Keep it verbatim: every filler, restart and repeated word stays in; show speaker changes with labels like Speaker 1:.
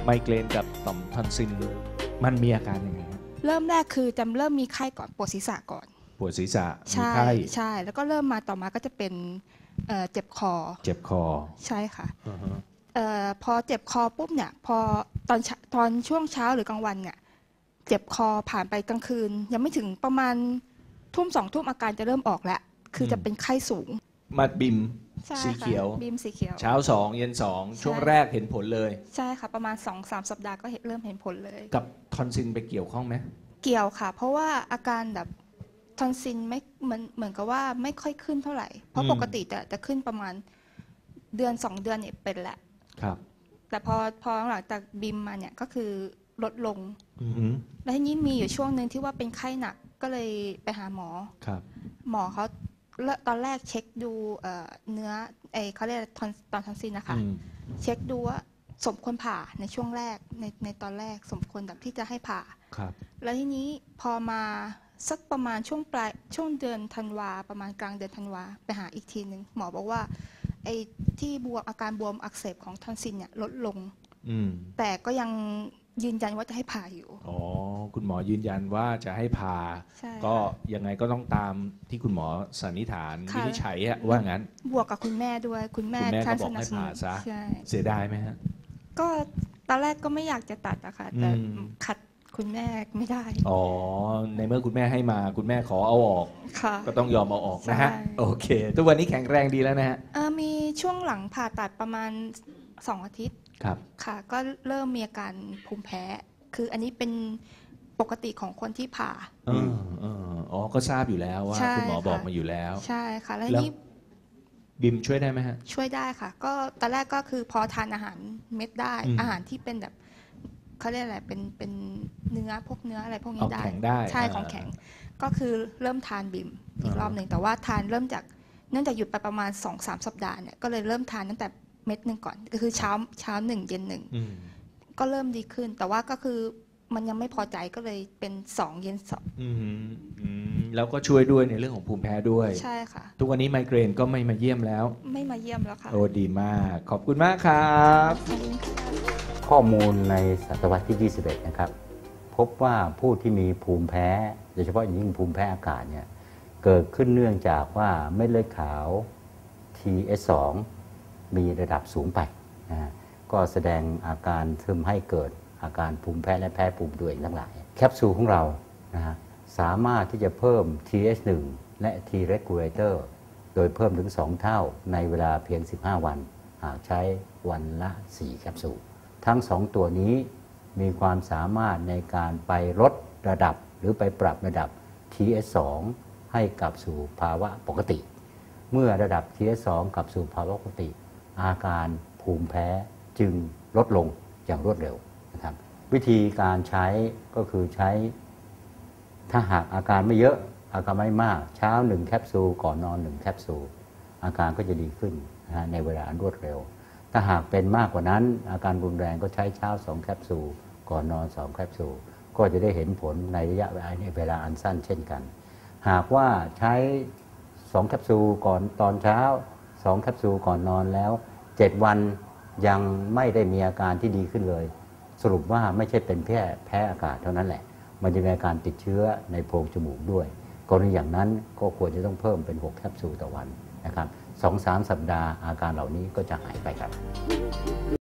Speaker 1: ไมเกรนกับต่อมทอนซิลมันมีอาการยังไงครับ
Speaker 2: เริ่มแรกคือจะเริ่มมีไข้ก่อนปวดศีรษะก่อน
Speaker 1: ปวดศีรษะมี
Speaker 2: ใช่
Speaker 1: ไข้
Speaker 2: ใช่แล้วก็เริ่มมาต่อมาก็จะเป็นเอ่อเจ็บคอ
Speaker 1: เจ็บคอ
Speaker 2: ใช่ค่ะ
Speaker 1: อือฮะ
Speaker 2: เอ่อพอเจ็บคอปุ๊บเนี่ยพอตอนเช้าตอนช่วงเช้าหรือกลางวันเนี่ยเจ็บคอผ่านไปกลางคืนยังไม่ถึงประมาณทุ่มสองทุ่มอาการจะเริ่มออกแล้วคือจะเป็นไข้สูง
Speaker 1: มาบิม
Speaker 2: ใช่
Speaker 1: สี
Speaker 2: ค่ะ
Speaker 1: เขียว
Speaker 2: บีมสีเขียว
Speaker 1: เช้าสองเย็นสองช่วงแรกเห็นผลเลย
Speaker 2: ใช่ค่ะประมาณ สองถึงสาม สัปดาห์ก็เห็นเริ่มเห็นผลเลย
Speaker 1: กับทอนซิลไปเกี่ยวข้องไหม
Speaker 2: เกี่ยวค่ะเพราะว่าอาการแบบทอนซิลไม่เหมือนเหมือนกับว่าไม่ค่อยขึ้นเท่าไหร่เพราะปกติจะจะขึ้นประมาณเดือนสองเดือนเนี่ยเป็นแหละ
Speaker 1: ครับ
Speaker 2: แต่พอพอหลังจากบิมมาเนี่ยก็คือลดลง
Speaker 1: อือฮึ
Speaker 2: แล้วทีนี้มีอยู่ช่วงหนึ่งที่ว่าเป็นไข้หนักก็เลยไปหาหมอ
Speaker 1: ครับ
Speaker 2: หมอเขาตอนแรกเช็คดูเอ่อเนื้อไอเขาเรียกทอนตอนทอนซิลนะคะ
Speaker 1: อืม
Speaker 2: เช็คดูว่าสมควรผ่าในช่วงแรกในในตอนแรกสมควรแบบที่จะให้ผ่า
Speaker 1: ครับ
Speaker 2: แล้วทีนี้พอมาสักประมาณช่วงปลายช่วงเดือนธันวาประมาณกลางเดือนธันวาไปหาอีกทีหนึ่งหมอบอกว่าไอ้ที่บวมอาการบวมอักเสบของทอนซิลเนี่ยลดลง
Speaker 1: อืม
Speaker 2: แต่ก็ยังยืนยันว่าจะให้ผ่าอยู่
Speaker 1: อ๋อคุณหมอยืนยันว่าจะให้ผ่า
Speaker 2: ใช่
Speaker 1: ก็ยังไงก็ต้องตามที่คุณหมอสันนิษฐานวิ
Speaker 2: ค่ะ
Speaker 1: นิจฉัยอะว่างั้น
Speaker 2: บวกกับคุณแม่ด้วยคุณแม่
Speaker 1: คุณแม่ก็
Speaker 2: ท่าน
Speaker 1: บอกให้ผ่าซะ
Speaker 2: ใช่
Speaker 1: เสียดายไหมฮะ
Speaker 2: ก็ตอนแรกก็ไม่อยากจะตัดอะค่ะแต่
Speaker 1: อืม
Speaker 2: ขัดคุณแม่ไม่ได้
Speaker 1: อ๋อในเมื่อคุณแม่ให้มาคุณแม่ขอเอาออก
Speaker 2: ค่ะ
Speaker 1: ก็ต้องยอมเอาออกนะฮะ
Speaker 2: ใช่
Speaker 1: โอเคทุกวันนี้แข็งแรงดีแล้วนะฮะ
Speaker 2: เอ่อมีช่วงหลังผ่าตัดประมาณสองอาทิตย์
Speaker 1: ครับ
Speaker 2: ค่ะก็เริ่มมีอาการภูมิแพ้คืออันนี้เป็นปกติของคนที่ผ่า
Speaker 1: เออเอออ๋อก็ทราบอยู่แล้วว่า
Speaker 2: ใช่
Speaker 1: คุณหมอบอก
Speaker 2: ค่ะ
Speaker 1: มาอยู่แล้ว
Speaker 2: ใช่ค่ะแล้ว
Speaker 1: แล้ว
Speaker 2: นี่
Speaker 1: บิมช่วยได้ไหมฮะ
Speaker 2: ช่วยได้ค่ะก็ตอนแรกก็คือพอทานอาหารเม็ดได้
Speaker 1: อืม
Speaker 2: อาหารที่เป็นแบบเขาเรียกอะไรเป็นเป็นเนื้อพวกเนื้ออะไรพวกนี้
Speaker 1: เอา
Speaker 2: ได้
Speaker 1: แข็งได้
Speaker 2: ใช่
Speaker 1: อ่า
Speaker 2: ของแข็งก็คือเริ่มทานบิมอีก
Speaker 1: อ่าร
Speaker 2: อบหนึ่งแต่ว่าทานเริ่มจากเนื่องจากหยุดไปประมาณ สองถึงสาม สัปดาห์เนี่ยก็เลยเริ่มทานตั้งแต่เม็ดหนึ่งก่อนก็คือเช้าเช้าหนึ่งเย็นหนึ่ง
Speaker 1: อืม
Speaker 2: ก็เริ่มดีขึ้น แต่ว่าก็คือมันยังไม่พอใจก็เลยเป็นสองเย็นสอง
Speaker 1: อืมอืมแล้วก็ช่วยด้วยในเรื่องของภูมิแพ้ด้วย
Speaker 2: ใช่ค่ะ
Speaker 1: ทุกวันนี้ไมเกรนก็ไม่มาเยี่ยมแล้ว
Speaker 2: ไม่มาเยี่ยมแล้วค่ะ
Speaker 1: โอ้ดีมากขอบคุณมากครับ
Speaker 2: ขอบคุณค่ะ
Speaker 3: ข้อมูลในศตวรรษที่ ยี่สิบเอ็ด นะครับพบว่าผู้ที่มีภูมิแพ้โดยเฉพาะอย่างยิ่งภูมิแพ้อากาศเนี่ยเกิดขึ้นเนื่องจากว่าเม็ดเลือดขาว ที เอส สอง มีระดับสูงไปนะฮะก็แสดงอาการทำให้เกิดอาการภูมิแพ้และแพ้ภูมิตัวเองทั้งหลายแคปซูลของเรานะฮะสามารถที่จะเพิ่ม ที เอช หนึ่ง และ T regulator โดยเพิ่มถึงสองเท่าในเวลาเพียงสิบห้าวันหากใช้วันละสี่แคปซูลทั้งสองตัวนี้มีความสามารถในการไปลดระดับหรือไปปรับระดับ ที เอส สอง ให้กลับสู่ภาวะปกติเมื่อระดับ ที เอส สอง กลับสู่ภาวะปกติอาการภูมิแพ้จึงลดลงอย่างรวดเร็วนะครับวิธีการใช้ก็คือใช้ถ้าหากอาการไม่เยอะอาการไม่มากเช้าหนึ่งแคปซูลก่อนนอนหนึ่งแคปซูลอาการก็จะดีขึ้นนะฮะในเวลาอันรวดเร็วถ้าหากเป็นมากกว่านั้นอาการรุนแรงก็ใช้เช้าสองแคปซูลก่อนนอนสองแคปซูลก็จะได้เห็นผลในระยะเวลาอันสั้นเช่นกันหากว่าใช้สองแคปซูลก่อนตอนเช้าสองแคปซูลก่อนนอนแล้วเจ็ดวันยังไม่ได้มีอาการที่ดีขึ้นเลยสรุปว่าไม่ใช่เป็นแค่แพ้อากาศเท่านั้นแหละมันจะมีอาการติดเชื้อในโพรงจมูกด้วยกรณีอย่างนั้นก็ควรจะต้องเพิ่มเป็นหกแคปซูลต่อวันนะครับ สองถึงสาม สัปดาห์อาการเหล่านี้ก็จะหายไปครับ